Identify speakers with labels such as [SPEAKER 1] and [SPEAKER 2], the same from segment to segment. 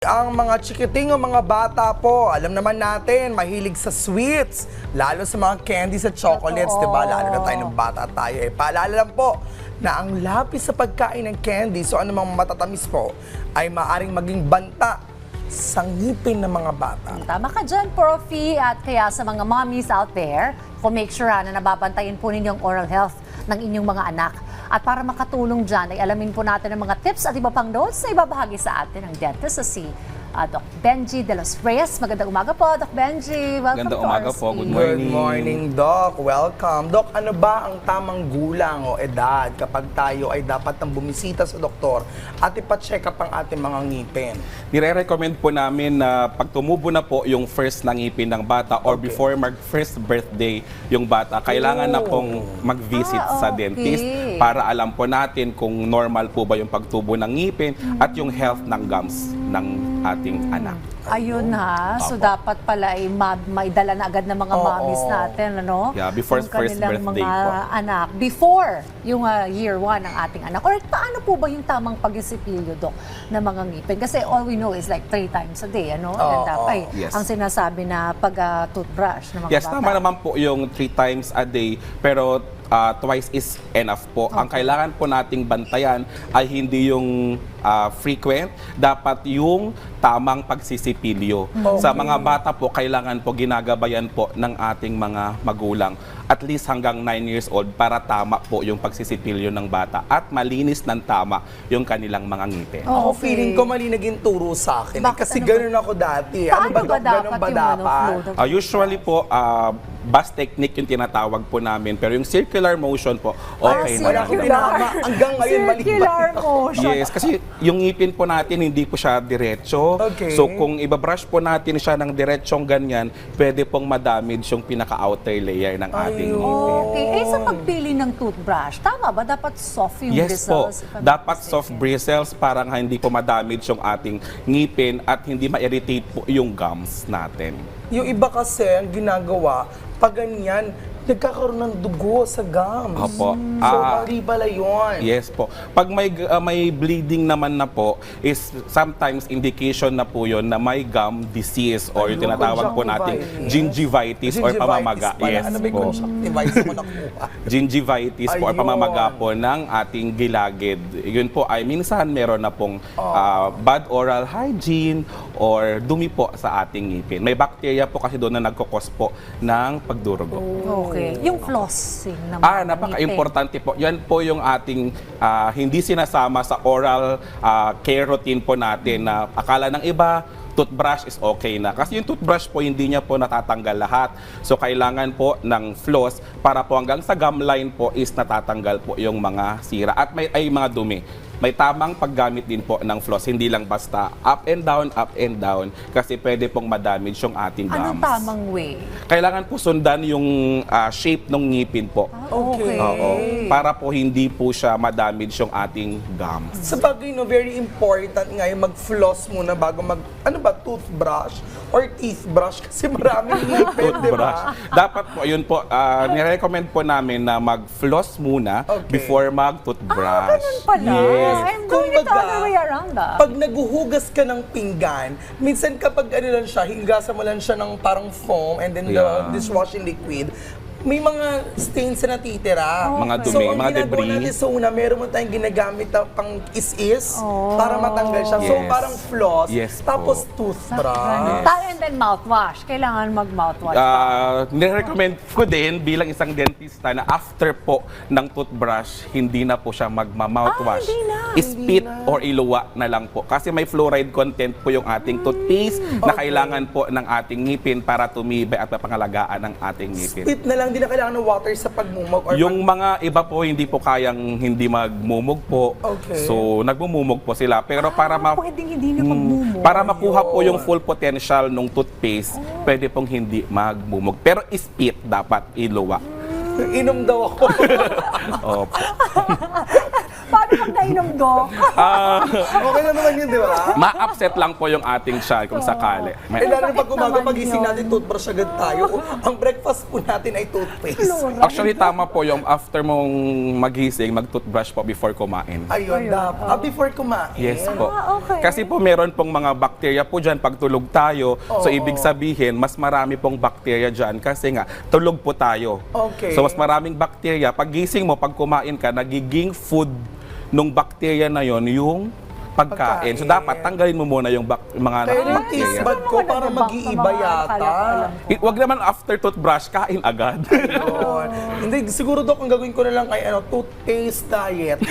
[SPEAKER 1] Ang mga chikiting o mga bata po, alam naman natin, mahilig sa sweets, lalo sa mga candies at chocolates, di ba? Lalo na tayo ng bata tayo. Paalala lang po na ang lapis sa pagkain ng candies o anumang matatamis po ay maaring maging banta sa ngipin ng mga bata.
[SPEAKER 2] Tama ka dyan, Profi. At kaya sa mga mommies out there, kung make sure na nababantayan po ninyo ang oral health ng inyong mga anak. At para makatulong dyan, ay alamin po natin ang mga tips at iba pang notes na ibabahagi sa atin ng dentist sa si Doc Benji de los Reyes. Magandang umaga po, Doc Benji. Welcome
[SPEAKER 3] Magandang
[SPEAKER 2] to
[SPEAKER 3] umaga
[SPEAKER 2] our
[SPEAKER 3] po. Good
[SPEAKER 2] studio.
[SPEAKER 3] morning.
[SPEAKER 1] Good morning, Doc. Welcome. Doc, ano ba ang tamang gulang o edad kapag tayo ay dapat nang bumisita sa doktor at ipacheck up ang ating mga ngipin?
[SPEAKER 3] Nire-recommend po namin na pag tumubo na po yung first na ngipin ng bata or
[SPEAKER 1] Okay.
[SPEAKER 3] before mag-first birthday yung bata, kailangan na pong mag-visit sa
[SPEAKER 2] okay.
[SPEAKER 3] dentist para alam po natin kung normal po ba yung pagtubo ng ngipin at yung health ng gums ng ating anak.
[SPEAKER 2] Ayun ha. So
[SPEAKER 3] Opo.
[SPEAKER 2] dapat pala ay maidala na agad ng mga
[SPEAKER 1] Oo.
[SPEAKER 2] mommies natin, ano?
[SPEAKER 3] Yeah, before
[SPEAKER 2] Yung
[SPEAKER 3] first
[SPEAKER 2] kanilang
[SPEAKER 3] birthday
[SPEAKER 2] mga
[SPEAKER 3] po.
[SPEAKER 2] anak. Before yung year 1 ng ating anak. Or paano po ba yung tamang pag-isipilyo, Dok, ng mga ngipin? Kasi all we know is like 3 times a day, ano? And dapat
[SPEAKER 3] Yes.
[SPEAKER 2] ang sinasabi na pag-toothbrush ng mga
[SPEAKER 3] Yes,
[SPEAKER 2] bata.
[SPEAKER 3] tama naman po yung 3 times a day, pero twice is enough po. Ang kailangan po nating bantayan ay hindi yung frequent, dapat yung tamang pagsisipilyo. Sa mga bata po, kailangan po ginagabayan po ng ating mga magulang at least hanggang 9 years old para tama po yung pagsisipilyo ng bata at malinis ng tama yung kanilang mga ngipin.
[SPEAKER 1] Ako
[SPEAKER 2] Okay.
[SPEAKER 1] feeling ko mali naging turo sa akin.
[SPEAKER 2] Bakit?
[SPEAKER 1] Kasi
[SPEAKER 2] Ano
[SPEAKER 1] ganun ako dati.
[SPEAKER 2] Paano
[SPEAKER 1] Doc?
[SPEAKER 2] ba dapat
[SPEAKER 1] Ganun ba
[SPEAKER 2] yung
[SPEAKER 1] dapat?
[SPEAKER 2] flow, Dok?
[SPEAKER 3] Usually po, bus technique yung tinatawag po namin. Pero yung circular motion po, okay na.
[SPEAKER 1] Wala akong pinama. Hanggang ngayon, mali ba?
[SPEAKER 2] Circular motion.
[SPEAKER 3] Yes, kasi yung ngipin po natin hindi po siya diretso.
[SPEAKER 1] Okay.
[SPEAKER 3] So kung ibabrush po natin siya ng diretsong ganyan, pwede pong madamage yung pinaka-outer layer ng ating ngipin.
[SPEAKER 2] Okay. Eh, sa pagpili ng toothbrush, tama ba? Dapat soft yung
[SPEAKER 3] Yes po,
[SPEAKER 2] bristles? if I'm not
[SPEAKER 3] dapat
[SPEAKER 2] mistaken?
[SPEAKER 3] soft bristles para nga hindi po madamage yung ating ngipin at hindi ma-irritate po yung gums natin.
[SPEAKER 1] Yung iba kasi, ang ginagawa, pag ganyan, nagkakaroon ng dugo sa gums.
[SPEAKER 3] Opo.
[SPEAKER 1] So, mali pala yun.
[SPEAKER 3] Yes po. Pag may bleeding naman na po, is sometimes indication na po yun na may gum disease or yung
[SPEAKER 1] Ayun,
[SPEAKER 3] tinatawag po natin gingivitis or pamamaga.
[SPEAKER 1] pala.
[SPEAKER 3] Yes
[SPEAKER 1] Ano ba yung
[SPEAKER 3] po.
[SPEAKER 1] conjunctivitis mo nakuha?
[SPEAKER 3] Gingivitis po or
[SPEAKER 1] Ayun.
[SPEAKER 3] pamamaga po ng ating gilagid. Yun po ay minsan meron na pong bad oral hygiene or dumi po sa ating ngipin. May bacteria po kasi doon na nagkukos po ng pagdurugo.
[SPEAKER 2] Okay. Yung flossing naman.
[SPEAKER 3] Napaka-importante po. Yan po yung ating hindi sinasama sa oral care routine po natin na akala ng iba, toothbrush is okay na. Kasi yung toothbrush po, hindi niya po natatanggal lahat. So, kailangan po ng floss para po hanggang sa gum line po is natatanggal po yung mga sira at ay mga dumi. May tamang paggamit din po ng floss, hindi lang basta up and down, kasi pwede pong madamage yung ating gums.
[SPEAKER 2] Anong tamang way?
[SPEAKER 3] Kailangan po sundan yung shape ng ngipin po.
[SPEAKER 1] Okay.
[SPEAKER 3] Oo. Para po hindi po siya madamage yung ating gums.
[SPEAKER 1] Sa bagay, no, very important nga yung mag-floss muna bago toothbrush or teeth brush kasi maraming ngipin, di
[SPEAKER 3] Toothbrush.
[SPEAKER 1] ba?
[SPEAKER 3] Dapat po, yun po, nire-recommend po namin na mag-floss muna
[SPEAKER 1] Okay.
[SPEAKER 3] before mag-toothbrush.
[SPEAKER 2] Ganun pala.
[SPEAKER 3] Yes.
[SPEAKER 2] I'm doing it the
[SPEAKER 1] Kumbaga,
[SPEAKER 2] other way around.
[SPEAKER 1] Pag naguhugas ka ng pinggan, minsan kapag ano lang siya, higasan mo lang siya ng parang foam and then the
[SPEAKER 3] Yeah.
[SPEAKER 1] dishwashing liquid, may mga stains na natitira.
[SPEAKER 3] Mga
[SPEAKER 1] So,
[SPEAKER 3] dumi,
[SPEAKER 1] ang
[SPEAKER 3] mga
[SPEAKER 1] ginagawa
[SPEAKER 3] debris.
[SPEAKER 1] natin sa una, meron mo tayong ginagamit na pang is-is para matanggal siya. So,
[SPEAKER 3] Yes.
[SPEAKER 1] parang floss,
[SPEAKER 3] Yes
[SPEAKER 1] tapos
[SPEAKER 3] po.
[SPEAKER 1] toothbrush.
[SPEAKER 2] And then mouthwash. Kailangan mag-mouthwash.
[SPEAKER 3] Nire-recommend ko din bilang isang dentista na after po ng toothbrush, hindi na po siya magma-mouthwash.
[SPEAKER 2] Hindi na.
[SPEAKER 3] Spit or iluwa na lang po. Kasi may fluoride content po yung ating toothpaste na kailangan po ng ating ngipin para tumibay at mapangalagaan ng ating ngipin.
[SPEAKER 1] Spit na lang, hindi na kailangan ng water sa pagmumog. Or
[SPEAKER 3] Yung mga iba po hindi po kayang hindi magmumog po.
[SPEAKER 1] Okay.
[SPEAKER 3] So nagmumumog po sila. Pero
[SPEAKER 2] Pwedeng hindi na magmumog.
[SPEAKER 3] para makuha po yung full potential ng toothpaste, pwede pong hindi magmumog. Pero spit dapat iluwa.
[SPEAKER 1] inom daw ako.
[SPEAKER 3] Opo.
[SPEAKER 2] Paano pag nainom, Dok?
[SPEAKER 1] Okay na naman yun, di ba?
[SPEAKER 3] Ma-upset lang po yung ating tiyan kung sakali.
[SPEAKER 1] Eh, lalo na pag
[SPEAKER 2] Bakit
[SPEAKER 1] umaga,
[SPEAKER 2] naman
[SPEAKER 1] pagising
[SPEAKER 2] yun?
[SPEAKER 1] natin, toothbrush agad tayo. Ang breakfast po natin ay toothpaste.
[SPEAKER 3] Actually, tama po yung after mong magising, mag-toothbrush po before kumain.
[SPEAKER 1] Ayun, dapat. Before kumain.
[SPEAKER 3] Yes po.
[SPEAKER 2] okay.
[SPEAKER 3] Kasi po meron pong mga bakterya po dyan pag tulog tayo. So ibig sabihin, mas marami pong bakterya dyan kasi nga tulog po tayo.
[SPEAKER 1] Okay.
[SPEAKER 3] So mas maraming bakterya. Pag gising mo, pag kumain ka, nagiging food nung bakterya na yon yung pagkain. So dapat tanggalin mo muna yung mga
[SPEAKER 1] Kaya yung
[SPEAKER 3] bakterya.
[SPEAKER 1] taste bud ko parang mag-iiba yata.
[SPEAKER 3] Wag naman after toothbrush, kain agad.
[SPEAKER 1] Yun. Hindi, siguro Dok, ang gagawin ko na lang ay toothpaste diet.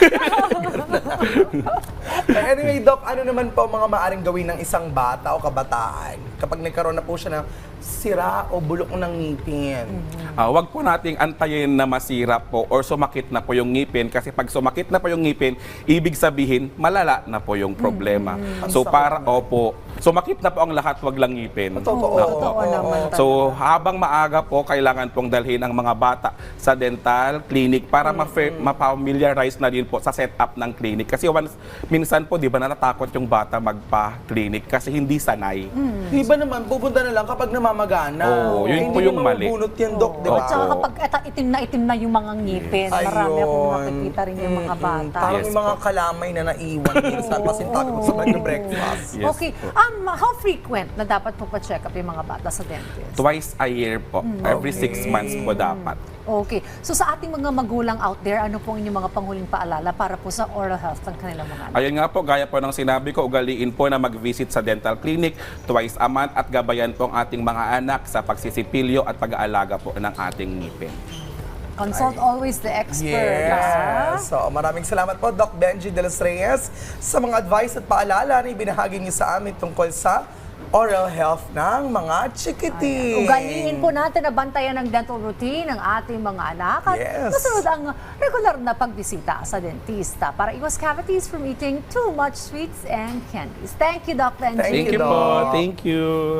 [SPEAKER 1] Anyway, Doc, ano naman po mga maaring gawin ng isang bata o kabataan kapag nagkaroon na po siya ng sira o bulok ng ngipin?
[SPEAKER 3] Wag po nating antayin na masira po or sumakit na po yung ngipin kasi pag sumakit na po yung ngipin, ibig sabihin malala na po yung problema. So para sumakit na po ang lahat, wag lang ngipin.
[SPEAKER 1] Totoo.
[SPEAKER 2] Totoo naman.
[SPEAKER 3] So habang maaga po, kailangan pong dalhin ang mga bata sa dental clinic para ma-familiarize na din po sa setup ng clinic. Kasi minsan po, di ba, natatakot yung bata magpa-clinic kasi hindi sanay.
[SPEAKER 1] Iba naman, pupunta na lang kapag namamagana.
[SPEAKER 3] Oo, yun po yung mali.
[SPEAKER 1] Bunot yan, Doc, di ba?
[SPEAKER 2] At saka kapag itim na yung mga ngipin, marami akong
[SPEAKER 1] Ayun.
[SPEAKER 2] nakikita rin yung mga bata.
[SPEAKER 1] Parang
[SPEAKER 3] Yes
[SPEAKER 1] yung mga kalamay na naiwan minsan. Pasintabi ko sa kanya breakfast.
[SPEAKER 3] Yes
[SPEAKER 2] Okay,
[SPEAKER 3] po.
[SPEAKER 2] how frequent na dapat po pa-check up yung mga bata sa dentist?
[SPEAKER 3] Twice a year po. Every 6 months po dapat.
[SPEAKER 2] Okay. So sa ating mga magulang out there, ano pong inyong mga panghuling paalala para po sa oral health ng kanilang mga anak?
[SPEAKER 3] Ayun nga po, gaya po ng sinabi ko, ugaliin po na mag-visit sa dental clinic twice a month at gabayan po ang ating mga anak sa pagsisipilyo at pag-aalaga po ng ating ngipin.
[SPEAKER 2] Consult always the expert. ha?
[SPEAKER 1] Yes. So, maraming salamat po, Doc Benji de los Reyes, sa mga advice at paalala na ibinahagi niyo sa amin tungkol sa oral health ng mga chikiting.
[SPEAKER 2] Ugaliin po natin na bantayan ng dental routine ng ating mga anak at
[SPEAKER 1] Yes.
[SPEAKER 2] masunod ang regular na pagbisita sa dentista para iwas cavities from eating too much sweets and candies. Thank you, Doc Benji.
[SPEAKER 1] Thank
[SPEAKER 3] Thank you
[SPEAKER 1] you,
[SPEAKER 3] po.
[SPEAKER 1] Doc.
[SPEAKER 3] Thank you.